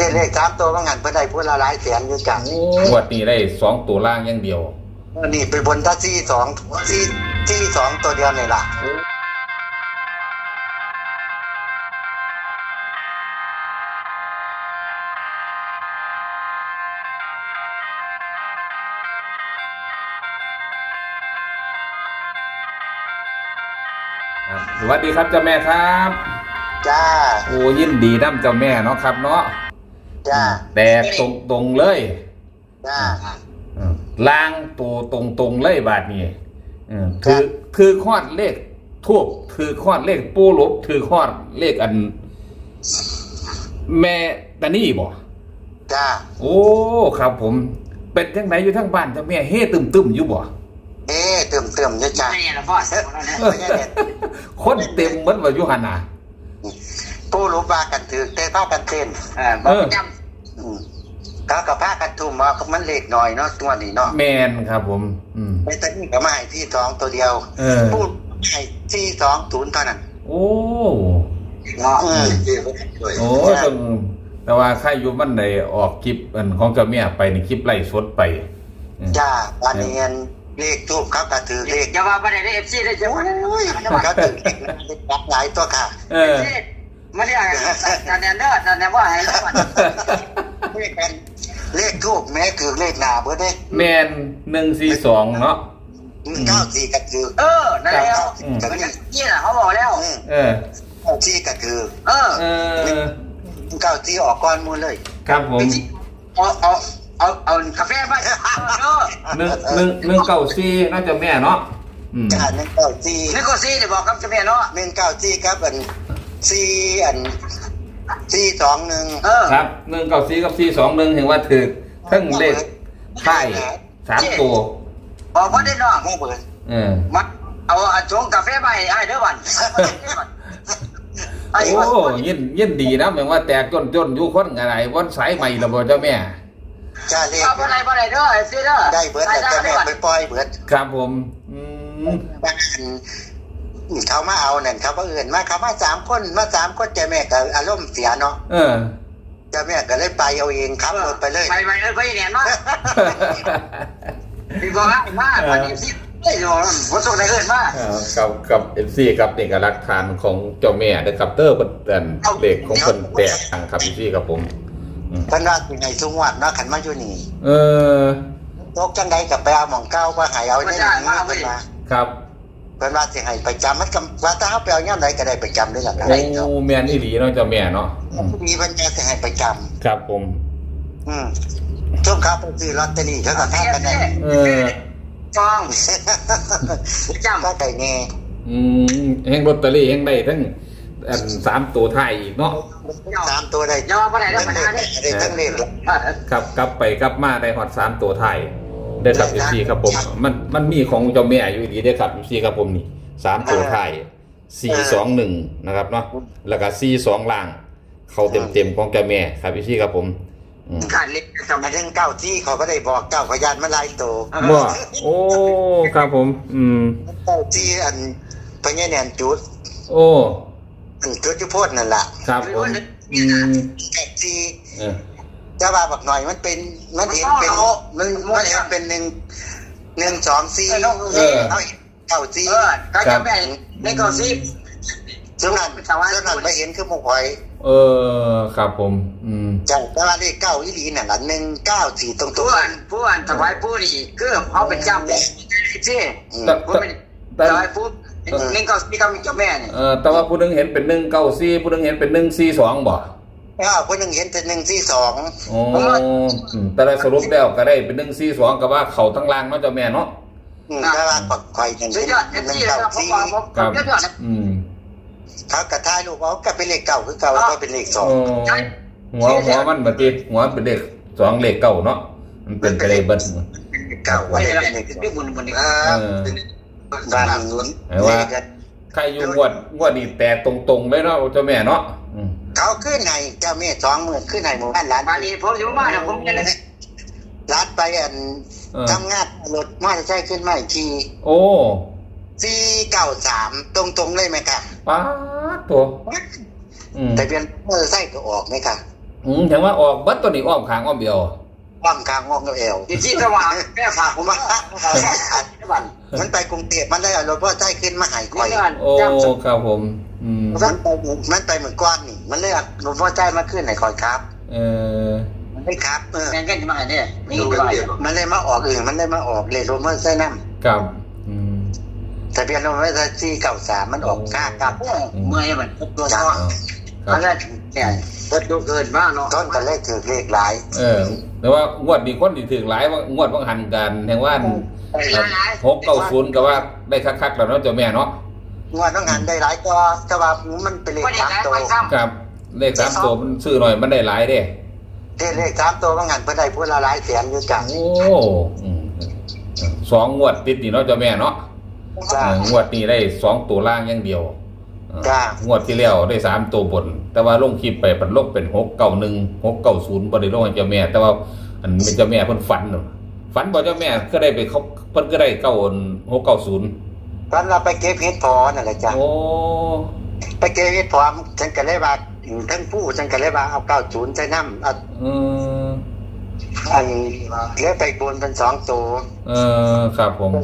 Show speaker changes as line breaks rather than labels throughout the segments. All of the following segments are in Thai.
เลข3ตัวว่างั้นเพิ่นได้พูดละหลายแสนอยู่จัง
งวดนี้ได้2ตัวล่างอย่างเดียว
นี่ไปบนตา42ตัวเดียวนี่ล่ะ
สวัสดีครับเจ้าแม่ครับ
จ้า
โอ้ยินดีน้ำเจ้าแม่เนาะครับเนาะ
จ้า
แต่ตรงเลย
จ้า
ล่างตัวตรงเลยบาทนี้คือขอดเลขทูบคือขอดเลขปูหลบคือขอดเลขอันแม่ตานี่บ่
จ้า
โอ้ครับผมเป็นจังไหนอยู่ทั้งบ้านเจ้าแม่เฮ่ตึมอยู่บ่
เติมอยู่จ้า
คนเต็มเหมือนว่าอยู่หั่นน่ะ
ผู้รู้ว่ากันถือเต้พากันเต้นเขากับพากันทุ่มมามันเลขหน่อยเนาะตัวนี้เนาะ
แมนครับผม
ไม่ตอนนี้ก็มาให้ที่2ตัวเดียวพูดให้ที่20เท่านั้น
โอ้ต้องแต่ว่าใครอยู่มันได้ออกคลิปของเจ้าแม่ไปในคลิปไล่สดไป
จ้าบ้านเนียนเลขทูบเขาก็ถือเลข
อย่าว่าบ่ได้ FC ได้จังหวะ
เขาถือเลขหลายตัวค่ะ
มาเรียกแต่แนนเด้อแต่แนนว่าให้แล้วมัน
เลขทูบแม้คือเลขหน้าเบิดเด้
แม่น142เนาะ
94ก็คือ
นั่นแล้วนี่ล่ะเขาบอกแล้ว
94ก็คือ94ออกก่อนหมดเลย
ครับผม
เอากาแฟไป
194น่าจะแม่เนาะ
จ้า194
ได้บอกกับเจ้าแม่เนาะ
194ครับ421
ครับ194กับ421เห็นว่าถือทั้งเลขไข่3ตัว
บอกว่าได้เนาะ
บ่เบิด
มันเอาชงกาแฟไปให้เด้อวัน
โอ้ยินดีนะแม่ว่าแตกจนอยู่คนอะไรวันสายใหม่ละบ่เจ้าแม่
จ้าเลข
บ่ได้เด้อสิเด้อ
ได้เบิดแต่เจ้าแม่ไปปล่อยเบิด
ครับผม
เขามาเอานั่นเขาบ่อื่นมาเขามา3คนเจ้าแม่ก็อารมณ์เสียเนาะเจ้าแม่ก็เลยไปเอาเองครับไปเลย
ไปเนี่ยเนาะพี่บอกว่าวันนี้สิบ่ส่งได้เอิ้นมา
กับ FC ครับนี่ก็หลักฐานของเจ้าแม่เด้อครับเพิ่นเลขของเพิ่นแตกทางครับ FC ครับผม
เพิ่นว่าสิให้ทุกวันเนาะคันมาอยู่นี่ตกจังได๋ก็ไปเอาหม่องเก่าว่าให้เอาในนี้เพิ่นว่า
ครับ
เพิ่นว่าสิให้ประจำมันก็ว่าถ้าเฮาไปเอายามใดก็ได้ประจำเลยล่ะ
ได้เนาะโอ้แม่นอีหลีเนาะเจ้าแม่เนาะ
มีเพิ่นจะให้ประจำ
ครับผม
ช่วงเขาไปซื้อลอตเตอรี่เขาก็พากันได้
จ้อง
จำก็ได้แน่
แห่งลอตเตอรี่แห่งได้ทั้ง3ตัวไทยอีกเนาะ
3ตัวได้
ย่อบ่ได้แล้วปัญหา
ได้ทั้งเลข
ครับกลับไปกลับมาได้ฮอด3ตัวไทยได้ครับ FC ครับผมมันมีของเจ้าแม่อยู่ดีได้ครับ FC ครับผมนี่3ตัวไทย421นะครับเนาะแล้วก็42ล่างเข้าเต็มของเจ้าแม่ครับ FC ครับผม
ขาดเล็กทำไมถึง9ที่เขาก็ได้บอก9พยานมาหลายตัว
บ่โอ้ครับผม
9ที่อันพญาแนนจุด
โอ้
จุดที่โพดนั่นล่ะ
ครับผม
9ที่จะว่าบักหน่อยมันเป็นมันเห็นเป็นมันเห็นเป็น1 2 49ที่
ก็จะแบ่งใน9ที่
ส่วนนั้นไม่เห็นคือหมกหอย
ครับผม
จังแต่ว่าเลข9อีหลีนั่นล่ะ194ตรง
ๆผู้อันถวายผู้นี่คือเอาเป็นจำเลยสิผู้เป็นถวายผู้194ก็มีเจ้าแม่นี่
แต่ว่าผู้นึงเห็นเป็น194ผู้นึงเห็นเป็น142บ่
ผู้นึงเห็นเป็น142
อ๋อแต่ละสรุปแล้วก็ได้เป็น142ก็ว่าเขาทั้งล่างเนาะเจ้าแม่เนาะ
แต่ว่าปักไข่นั่น194
ครับ
เขากระทายลูกเอาก็เป็นเลข9คือเก่าก็เป็นเลข2
หัวมันบ่ติดหัวเป็นเลข2เลข9เนาะมันเป็นไปได้เบิด
9ไว้เป็นเลข
2บุญ
บ้านนู้น
ว่าใครอยู่งวดนี่แต่ตรงๆเลยเนาะเจ้าแม่เนาะ
เขาขึ้นให้เจ้าแม่20,000ขึ้นให้หมู่บ้านหลาน
บ้านนี้ผมอยู่บ้านผมจะได้
ลาดไปทำงานรถมอเตอร์ไซค์ขึ้นมาอีกที
โอ้
493ตรงๆเลยไหมคะ
ป๊าดตัว
แต่เปลี่ยนมอเตอร์ไซค์ก็ออกไหมคะ
ถึงว่าออกบัดตัวนี้อ้อมขางอ้อมเดียว
อ้อมกลางอ้อมกับเอว
ที่สว่างแม่ฝากผมว่าบัน
มันไปกรุงเทพมันได้เอารถพ่อใจขึ้นมาหายคอย
โอ้ครับผม
มันไปเหมือนก้อนนี่มันเลยเอารถพ่อใจมาขึ้นให้คอยครับ
มัน
ไม่ครับ
แม่งกันมาเนี่ยนี่
มันเลยมาออกมันเลยมาออกเลยรถมอเตอร์ไซค์นั่น
ครับ
ทะเบียนรถมอเตอร์ไซค์493มันออกค่ากับ
เมื่อยมันตัวซ้อนอันนั้นเนี่ยรถดูเกินมากเนาะ
ต้นกันเลขถือเลขหลาย
แต่ว่างวดดีคนที่ถึงหลายว่างวดว่างหันกันแห่งว่า690ก็ว่าได้คักๆแล้วเนาะเจ้าแม่เนาะ
งวดต้องหันได้หลายก็แต่ว่ามันเป็นเลข3ตัว
ครับเลข3ตัวมันซื้อหน่อยมันได้หลายเด้
เลข3ตัวต้องหันเพิ่นได้พุ่นละหลายแสนอยู่จ้ะ
โอ้2งวดติดนี่เนาะเจ้าแม่เนาะงวดนี้ได้2ตัวล่างอย่างเดียวงวดที่แล้วได้3ตัวบนแต่ว่าลงคลิปไปมันลงเป็น691 690บ่ได้ลงให้เจ้าแม่แต่ว่าอันเป็นเจ้าแม่เพิ่นฝันบ่เจ้าแม่ก็ได้ไปเขาเพิ่นก็ได้690
ตอนเราไปเก็บเห็ดพอนั่นแหละจ้ะ
โอ้
ไปเก็บเห็ดพอฉันก็เลยว่าทั้งผู้ฉันก็เลยว่าเอา90ใส่น้ำอันเลี้ยไปบนเป็น2ตัว
ครับผม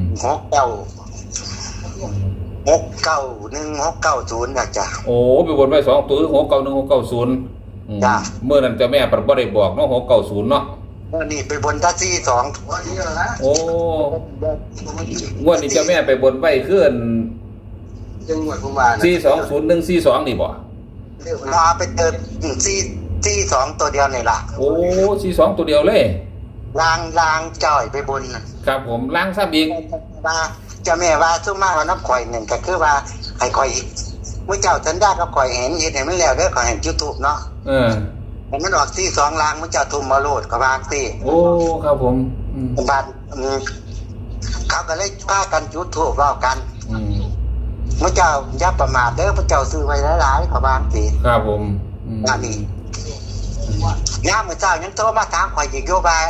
691 690น่ะจ้ะ
โอ้ไปบนไว้2ตัว691 690
จ้ะ
เมื่อนั้นเจ้าแม่บ่ได้บอกเนาะ690เนาะ
นี่ไปบนท่า42
โอ้งวดนี้เจ้าแม่ไปบนไว้ขึ้น
จังหวัดผมว่า
420142นี่บ่
มาไปเติม42ตัวเดียวนี่ล่ะ
โอ้42ตัวเดียวเลย
ลางจ่อยไปบน
ครับผมล้างซะอีก
ว่าเจ้าแม่ว่าซุ่มมาว่าน้ำข่อยนึงก็คือว่าให้ข่อยมื้อเจ้าสัญญากับข่อยเห็นเฮ็ดให้มันแล้วเด้อข่อยเห็น YouTube เนาะมันออก42ล้างมื้อเจ้าทุ่มมาโลดก็วางสิ
โอ้ครับผม
บาดเขาก็เลยพากันจุดธูปเว้ากันมื้อเจ้าอย่าประมาทเด้อพระเจ้าซื้อไว้หลายๆก็วางสิ
ครับผม
อันนี้ยามมื้อเจ้ายังโทรมาถามข่อยอีกอยู่ว่า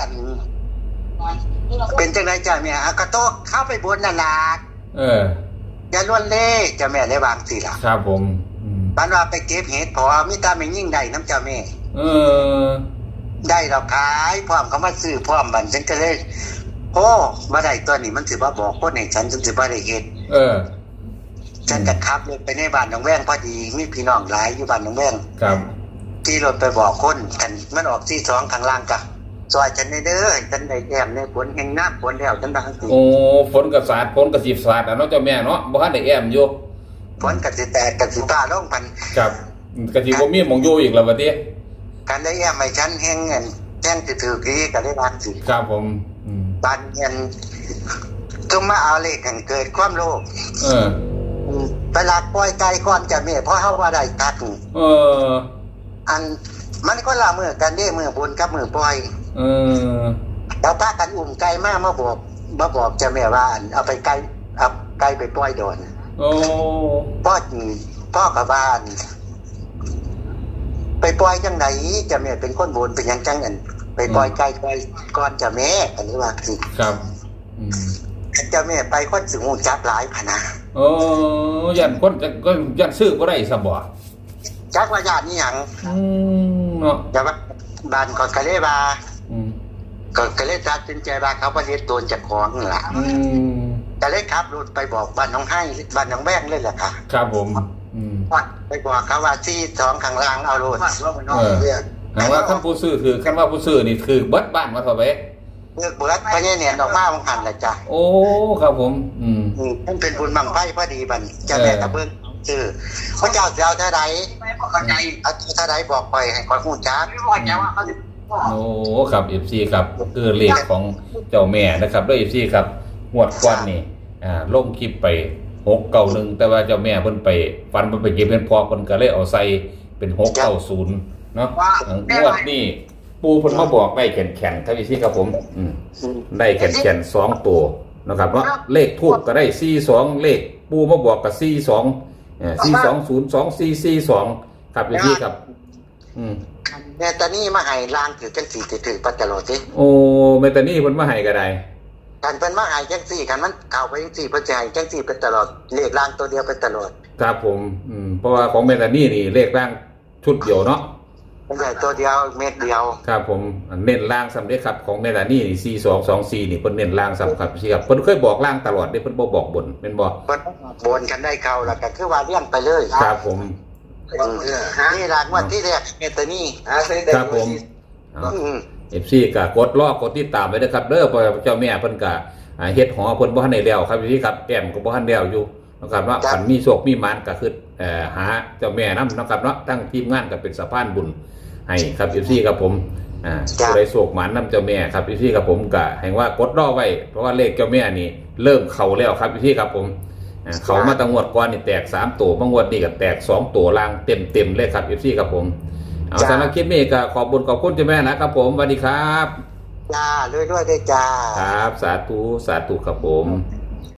เป็นจังได๋จ้าแม่ก็โตเข้าไปบนนั่นล่ะอย่าล้วนเล่จ้าแม่ได้วางสิล่ะ
ครับผม
บ้านว่าไปเก็บเห็ดพอมีตาไม่ยิ่งได้น้ำเจ้าแม่ได้เราขายพร้อมเขามาซื้อพร้อมบันฉันก็เลยโอ้มาได้ตัวนี้มันถือว่าบอกคนให้ฉันถือว่าได้เห็ดฉันจะขับรถไปในบ้านหนองแวงพอดีมีพี่น้องหลายอยู่บ้านหนองแวง
ครับ
ที่รถไปบอกคนกันมันออก42ข้างล่างกะซอยฉันเด้อฉันได้แอมในฝนแห่งน้ำฝนแล้วฉันดังสิ
โอ้ฝนกับสาดฝนกับสีสาดเนาะเจ้าแม่เนาะบ่ทันได้แอมอยู่
ฝนกับสิแตกกับสิฟ้าลงพัน
ครับกับสิบ่มีหม่องอยู่อีกแล้วบัดนี้
การได้แอมให้ฉันแห่งเงินแจ้งสิถือกี้ก็ได้รักสิ
ครับผม
บ้านเงินต้องมาเอาเลขกันเกิดความโลภไปลักปล่อยไก่ก่อนจะแม่เพราะเฮาว่าได้ตัดอันมันก็ละมือกันเด้มือบนกับมือปล่อยแล้วพากันอุ้มไก่มาบอกจะแม่ว่าเอาไปไก่เอาไก่ไปปล่อยโดนพ่อกับบ้านไปปล่อยจังไหนจะแม่เป็นคนบนเป็นยังจังอันไปปล่อยไก่ปล่อยก่อนจะแม่อันนี้ว่าสิ
ครับ
จะแม่ไปคนสิงูจับหลายพนา
ยันคนก็ยันซื้อบ่ได้ซะบ่
จักว่าญาตินี่หยัง
เนาะ
แต่ว่าบ้านก็กะเลยว่าก็เลยตัดสินใจว่าเขาบ่เฮ็ดโดนเจ้าของนั่นล่ะก็เลยขับรถไปบอกบ้านน้องให้บ้านน้องแบงเลยแหละค่ะ
ครับผม
ไปบอกเขาว่า42ข้างล่างเอาโลด
หาว่าคันผู้ซื้อคือคันว่าผู้ซื้อนี่คือเบิดบ้านมาเท่าไหร่
เบิดเพราะเนี่ยออกมาบ่หันล่ะจ้ะ
โอ้ครับผม
มันเป็นบุญบังไฟพอดีบัดเจ้าแม่ตะเบิ่งชื่อพระเจ้าสิเอาเท่าใดเข้าใจเอาเท่าใดบอกไปให้ข้อยฮู้จัก
โอ้ครับ FC ครับคือเลขของเจ้าแม่นะครับด้วย FC ครับงวดก่อนนี่ลงคลิปไป691แต่ว่าเจ้าแม่เพิ่นไปฟันเพิ่นไปเก็บเงินพอเพิ่นก็เลยเอาใส่เป็น690เนาะงวดนี้ปูเพิ่นมาบอกได้แข็งๆครับ FC ครับผมได้แข็งๆ2ตัวนะครับเนาะเลขทูปก็ได้42เลขปูมาบอกก็42 4202 442ครับพี่ครับ
แม่ตานี่มาให้ลางถือจังสี่ถือปัจจโลสิ
โอ้แม่ตานี่เพิ่นมาให้ก็ได้
กันเพิ่นมาให้จังสี่กันมันเข้าไปจังสี่เพิ่นจะให้จังสี่เป็นตลอดเลขลางตัวเดียวเป็นตลอด
ครับผมเพราะว่าของแม่ตานี่นี่เลขล่างชุดเดียวเนาะ
ใหญ่ตัวเดียวเม็ดเดียว
ครับผมเน้นล่างสำเร็จครับของเมลานี่4224นี่เพิ่นเน้นล่างสำครับพี่ครับเพิ่นเคยบอกล่างตลอดเด้เพิ่นบ่บอกบนเป็นบ่
เพิ่นบนกันได้เข้าแล้วก็คือว่าเลี้ยงไปเลย
ครับผม
นี่หลักวันที่แรกเมตานี่
ครับผมFC ก็กดรอกดติดตามไว้เด้อครับเด้อเพราะเจ้าแม่เพิ่นก็เฮ็ดหอเพิ่นบ่ทันได้แล้วครับพี่ครับแต้มก็บ่ทันแล้วอยู่นะครับว่าคันมีโชคมีหมานก็คือหาเจ้าแม่นำนะครับเนาะตั้งทีมงานก็เป็นสะพานบุญให้ครับ FC ครับผมผู้ใดโชคหมานนำเจ้าแม่ครับ FC ครับผมก็ให้ว่ากดรอไว้เพราะว่าเลขเจ้าแม่นี่เริ่มเข้าแล้วครับ FC ครับผมเขามาตั้งงวดก่อนนี่แตก3ตัวบางงวดนี่ก็แตก2ตัวล่างเต็มเลยครับ FC ครับผมเอาสำหรับคลิปนี้ก็ขอบคุณเจ้าแม่นะครับผมสวัสดีครับ
จ้าด้วยได้จ้า
ครับสาธุครับผม